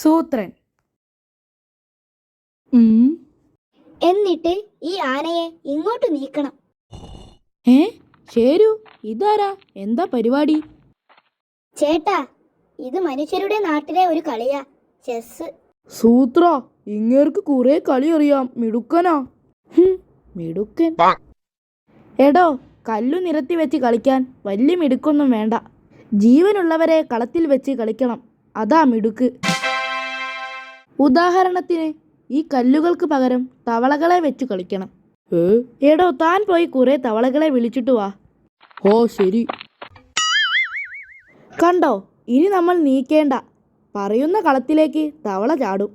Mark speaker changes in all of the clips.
Speaker 1: സൂത്രൻ.
Speaker 2: എന്നിട്ട് ഈ ആനയെ ഇങ്ങോട്ട് നീക്കണം.
Speaker 1: ശരു, ഇതാരാ? എന്താ പരിപാടി?
Speaker 2: ചേട്ടാ, ഇത് മനുഷ്യരുടെ നാട്ടിലെ ഒരു കളിയാ, ചെസ്.
Speaker 1: സൂത്ര, ഇങ്ങേർക്ക് കുറെ കളി അറിയാം. മിടുക്കനാ. മിടുക്കൻ. എടോ, കല്ലു നിരത്തി വെച്ച് കളിക്കാൻ വലിയ മിടുക്കൊന്നും വേണ്ട. ജീവനുള്ളവരെ കളത്തിൽ വെച്ച് കളിക്കണം, അതാ മിടുക്ക്. ഉദാഹരണത്തിന് ഈ കല്ലുകൾക്ക് പകരം തവളകളെ വെച്ച് കളിക്കണം. എടോ, താൻ പോയി കുറെ തവളകളെ വിളിച്ചിട്ട് വാ. ഓ ശരി. കണ്ടോ, ഇനി നമ്മൾ നീക്കേണ്ട. പറയുന്ന കളത്തിലേക്ക് തവള ചാടും.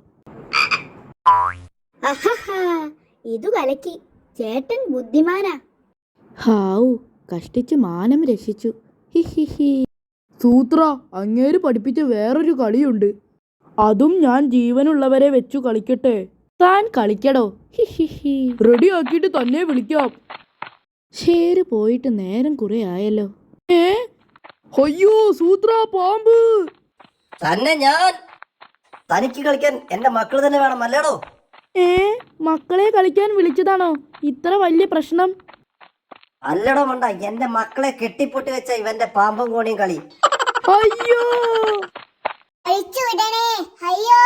Speaker 2: ഇതു കലക്കി. ചേട്ടൻ ബുദ്ധിമാനാ.
Speaker 1: ഹാവു, കഷ്ടിച്ച് മാനം രക്ഷിച്ചു. സൂത്ര, അങ്ങേര് പഠിപ്പിച്ച വേറൊരു കളിയുണ്ട്. അതും ഞാൻ ജീവനുള്ളവരെ വെച്ചു കളിക്കട്ടെ? താൻ കളിക്കടോ. റെഡി ആക്കിയിട്ട് തന്നെ വിളിക്കാം. ശരി, പോയിട്ട് നേരം കുറെ ആയല്ലോ. അയ്യോ സൂത്ര, പാമ്പ്!
Speaker 3: തന്നെ ഞാൻ. തനിക്ക് കളിക്കാൻ എന്റെ മക്കൾ തന്നെ വേണം അല്ലേടോ?
Speaker 1: മക്കളെ കളിക്കാൻ വിളിച്ചതാണോ ഇത്ര വലിയ പ്രശ്നം?
Speaker 3: അല്ലടോ മണ്ട, എന്റെ മക്കളെ കെട്ടിപ്പൊട്ടി വെച്ച ഇവന്റെ പാമ്പും കോണിയും കളി.
Speaker 1: അയ്യോ,
Speaker 2: അഴിച്ചു വിടണേ, അയ്യോ.